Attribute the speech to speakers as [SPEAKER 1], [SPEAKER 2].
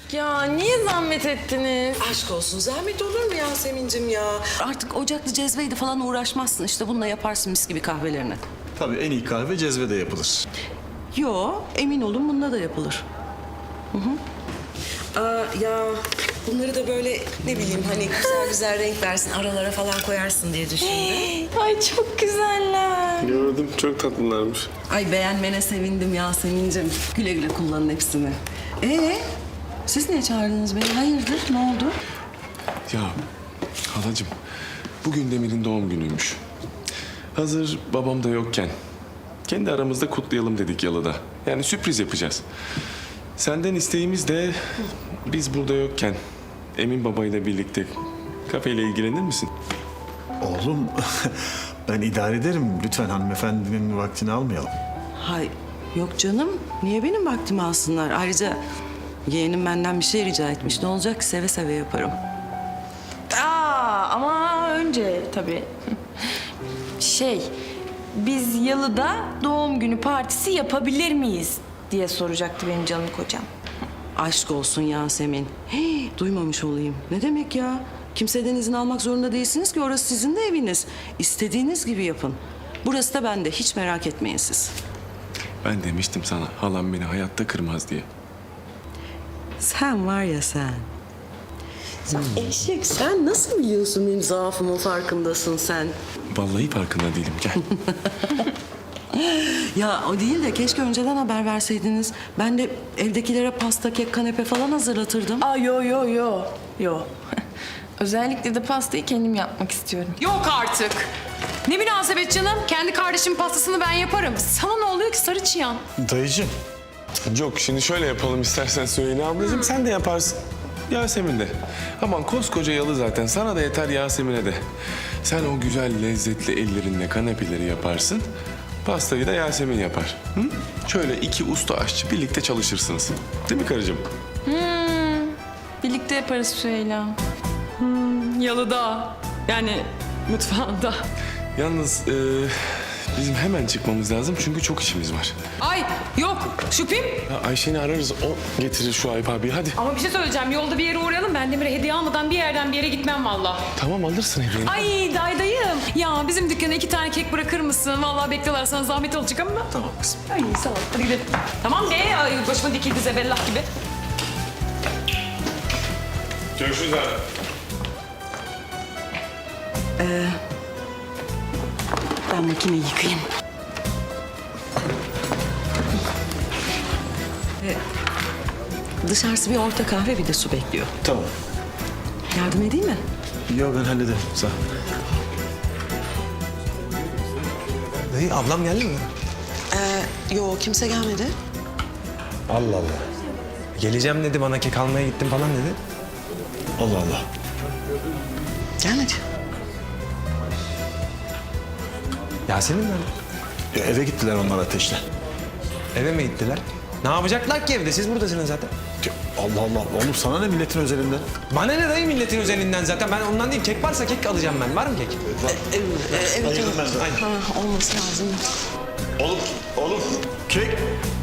[SPEAKER 1] Ya niye zahmet ettiniz?
[SPEAKER 2] Aşk olsun, zahmet olur mu Yasemin'cim ya?
[SPEAKER 3] Artık ocaklı cezveydi falan uğraşmazsın. İşte bununla yaparsın mis gibi kahvelerini.
[SPEAKER 4] Tabii en iyi kahve cezvede yapılır.
[SPEAKER 3] Yo, emin olun bununla da yapılır.
[SPEAKER 2] Ya bunları da böyle ne bileyim hani güzel güzel renk versin, aralara falan koyarsın diye düşündüm.
[SPEAKER 1] Ay çok güzeller.
[SPEAKER 5] Gördüm, çok tatlılarmış.
[SPEAKER 3] Ay beğenmene sevindim Yasemin'cim. Güle güle kullanın hepsini. Siz niye çağırdınız beni? Hayırdır? Ne oldu?
[SPEAKER 5] Ya halacığım, bugün Demir'in doğum günüymüş. Hazır babam da yokken kendi aramızda kutlayalım dedik yalıda. Yani sürpriz yapacağız. Senden isteğimiz de biz burada yokken Emin babayla birlikte kafeyle ilgilenir misin?
[SPEAKER 4] Oğlum ben idare ederim. Lütfen hanımefendinin vaktini almayalım.
[SPEAKER 3] Hay yok canım. Niye benim vaktimi alsınlar? Ayrıca yeğenim benden bir şey rica etmiş. Ne olacak ki seve seve yaparım.
[SPEAKER 1] Ama önce tabii. Biz yalıda doğum günü partisi yapabilir miyiz diye soracaktı benim canım kocam.
[SPEAKER 3] Aşk olsun Yasemin. Duymamış olayım. Ne demek ya? Kimseden izin almak zorunda değilsiniz ki orası sizin de eviniz. İstediğiniz gibi yapın. Burası da bende. Hiç merak etmeyin siz.
[SPEAKER 5] Ben demiştim sana halam beni hayatta kırmaz diye.
[SPEAKER 3] Sen var ya sen. Eşek sen nasıl biliyorsun benim zaafımın farkındasın sen?
[SPEAKER 5] Vallahi farkında değilim, gel.
[SPEAKER 3] Ya o değil de keşke önceden haber verseydiniz. Ben de evdekilere pasta, kek, kanepe falan hazırlatırdım.
[SPEAKER 1] Yo. Özellikle de pastayı kendim yapmak istiyorum.
[SPEAKER 6] Yok artık. Ne münasebet canım. Kendi kardeşimin pastasını ben yaparım. Sana ne oluyor ki sarı çıyan?
[SPEAKER 4] Dayıcığım.
[SPEAKER 5] Yok, şimdi şöyle yapalım istersen Süheyla ablacığım. Sen de yaparsın. Yasemin de. Aman koskoca yalı zaten. Sana da yeter, Yasemin'e de. Sen o güzel lezzetli ellerinle kanepeleri yaparsın. Pastayı da Yasemin yapar. Hı? Şöyle iki usta aşçı birlikte çalışırsınız. Değil mi karıcığım?
[SPEAKER 1] Birlikte yaparız Süheyla. Yalıda. Yani mutfağında.
[SPEAKER 5] Yalnız bizim hemen çıkmamız lazım çünkü çok işimiz var.
[SPEAKER 6] Ay yok şüphem.
[SPEAKER 5] Ya Ayşe'ni ararız, o getirir şu Ayıp abi. Hadi.
[SPEAKER 6] Ama bir şey söyleyeceğim. Yolda bir yere uğrayalım. Ben Demir'e hediye almadan bir yerden bir yere gitmem valla.
[SPEAKER 5] Tamam, alırsın hediyeni.
[SPEAKER 6] Ay daydayım. Ya bizim dükkana 2 tane kek bırakır mısın? Vallahi bekliyorlar, sana zahmet olacak ama.
[SPEAKER 4] Tamam kızım.
[SPEAKER 6] Ay sağ ol. Hadi gidelim. Tamam be. Ay, başıma dikildi zebellah gibi.
[SPEAKER 5] Görüşürüz abi.
[SPEAKER 3] Ben makineyi yıkayayım. Dışarısı bir orta kahve, bir de su bekliyor.
[SPEAKER 4] Tamam.
[SPEAKER 3] Yardım edeyim mi?
[SPEAKER 4] Yok ben hallederim. Sağ ol.
[SPEAKER 7] Dayı ablam geldi mi?
[SPEAKER 3] Yo kimse gelmedi.
[SPEAKER 7] Allah Allah. Geleceğim dedi, bana kek almaya gittim falan dedi.
[SPEAKER 4] Allah Allah.
[SPEAKER 3] Gelmedi.
[SPEAKER 7] Yasemin nerede?
[SPEAKER 4] Ya eve gittiler onlar Ateş'le.
[SPEAKER 7] Eve mi gittiler? Ne yapacaklar ki evde? Siz buradasınız zaten.
[SPEAKER 4] Ya Allah Allah. Oğlum sana ne milletin özelinden?
[SPEAKER 7] Bana ne dayı milletin özelinden zaten. Ben ondan değil. Kek varsa kek alacağım ben. Var mı kek?
[SPEAKER 3] Evet.
[SPEAKER 4] Ayırdım ben de.
[SPEAKER 3] Ha, olması lazım.
[SPEAKER 4] Oğlum kek.